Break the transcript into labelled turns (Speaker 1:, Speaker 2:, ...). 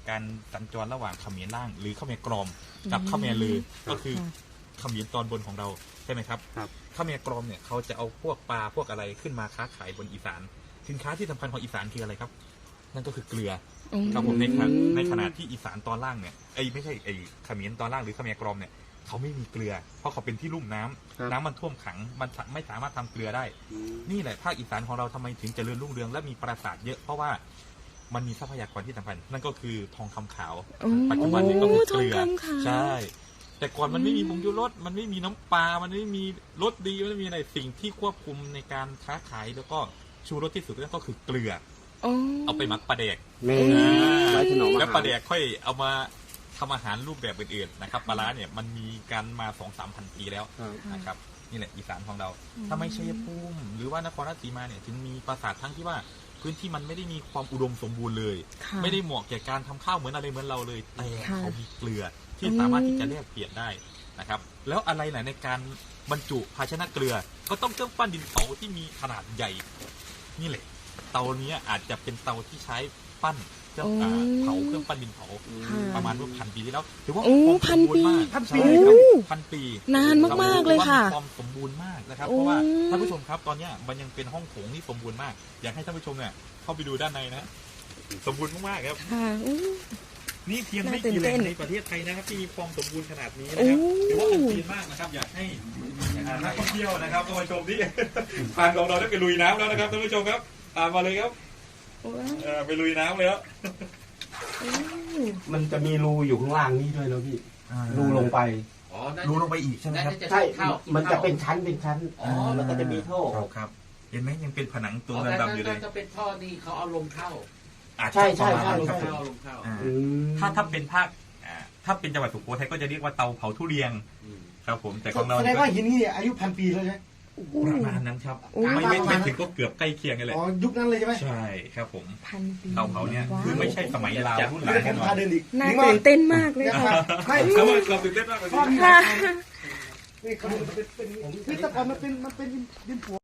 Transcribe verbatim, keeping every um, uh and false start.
Speaker 1: การสัญจรระหว่างเขมรล่างหรือเขมรกรอมกับเขมรลือก็คือเขมรตอนบนของเราใช่ไหมครับเขมรกรอมเนี่ยเขาจะเอาพวกปลาพวกอะไรขึ้นมาค้าขายบนอีสานสินค้าที่สำคัญของอีสานคืออะไรครับนั่นก็คือเกลือครับผมในขณะในขณะที่อีสานตอนล่างเนี่ยไอ้ไม่ใช่ไอ้เขมรตอนล่างหรือเขมรกรอมเนี่ยเขาไม่มีเกลือเพราะเขาเป็นที่ลุ่มน้ำน้ำมันท่วมขังมันไม่สามารถทำเกลือได้นี่แหละภาคอีสานของเราทำไมถึงเจริญรุ่งเรืองและมีปราสาทเยอะเพราะว่ามันมีทรัพยากรที่สำคัญนั่นก็คือทองคำขาวปัจจุบันนี้ก็คือเกลือใช่แต่ก่อนมันไม่มีผงชูรสมันไม่มีน้ำปลามันไม่มีรสดีมันไม่มีอะไรสิ่งที่ควบคุมในการค้าขายแล้วก็ชูรสที่สุดก็คือเกลือเอาไปหมักปลาแดกแล้วปลาแดกค่อยเอามาทำอาหารรูปแบบอื่นๆนะครับปลาร้าเนี่ยมันมีการมาสองสามพันปีแล้วนะครับนี่แหละอีสานของเราถ้าไม่ชัยภูมิหรือว่านครราชสีมาเนี่ยถึงมีปราสาททั้งที่ว่าพื้นที่มันไม่ได้มีความอุดมสมบูรณ์เลยไม่ได้เหมาะแก่การทำข้าวเหมือนอะไรเหมือนเราเลยแต่เขามีเกลือที่สามารถที่จะแลกเปลี่ยนได้นะครับแล้วอะไรไหนในการบรรจุภาชนะเกลือก็ต้องเครื่องปั้นดินเผาที่มีขนาดใหญ่นี่แหละเตานี้อาจจะเป็นเตาที่ใช้ปั้นเครื่องเผาเครื่องปั้นดินเผาประมาณว่าพันปีที่แล้วถือว่า
Speaker 2: พันปี
Speaker 1: พันปีพันปี
Speaker 2: นานมากๆเลยค่ะ
Speaker 1: ความสมบูรณ์มากนะครับเพราะว่าท่านผู้ชมครับตอนนี้มันยังเป็นห้องโถงที่สมบูรณ์มากอยากให้ท่านผู้ชมเนี่ยเข้าไปดูด้านในนะสมบูรณ์มากๆครับนี่เพียงไม่กี่แหล่งในประเทศไทยนะครับที่มีความสมบูรณ์ขนาดนี้นะครับถือว่าเป็นปีมากนะครับอยากให้นักท่องเที่ยวนะครับเข้ามาชมที่ทางของเราได้ไปลุยน้ำแล้วนะครับท่านผู้ชมครับตามมาเลยครับไปลุยน้ำเลยครับ
Speaker 3: มันจะมีรูอยู่ข้างล่างนี้ด้วยนะพี่รูลงไป
Speaker 1: รูลงไปอีกใช่ไหมครับ
Speaker 3: ใช่มันจะเป็นชั้นเป็นชั้นแล้วก็จะมีท่อ
Speaker 1: ครับเห็นไหมยังเป็นผนังตัวดำๆอยู่เลย
Speaker 4: จะเป็นท่อนี่เขาเอาลมเข้า
Speaker 3: ใช่ใช่ใช่
Speaker 4: ครับลมเข้า
Speaker 1: ถ้าถ้าเป็นภาคถ้าเป็นจังหวัดสุโขทัยก็จะเรียกว่าเตาเผาทุเรียนครับผมแต่ของเรา
Speaker 5: แสดงว่าหินนี่อายุพันปีแล้วใช่ไหม
Speaker 1: ประมาณนั้นครับไม่ไม่ไม่ถึงก็เกือบใกล้เคียงกันเลย
Speaker 5: อ๋อยุคนั้นเลยใช่ไหม
Speaker 1: ใช่ครับผมเตาเผาเนี่ยคือไม่ใช่สมัยลาวรุ่นหลัง
Speaker 5: แน่นอน
Speaker 2: น่าตื่นเต้นมากเลยค่ะ
Speaker 1: ไม่เราเราตื่นเต้นมากเลย
Speaker 5: นี่เขาเป็นเป็นนี่แต่ก่อนมันเป็นมันเป็นดินผัว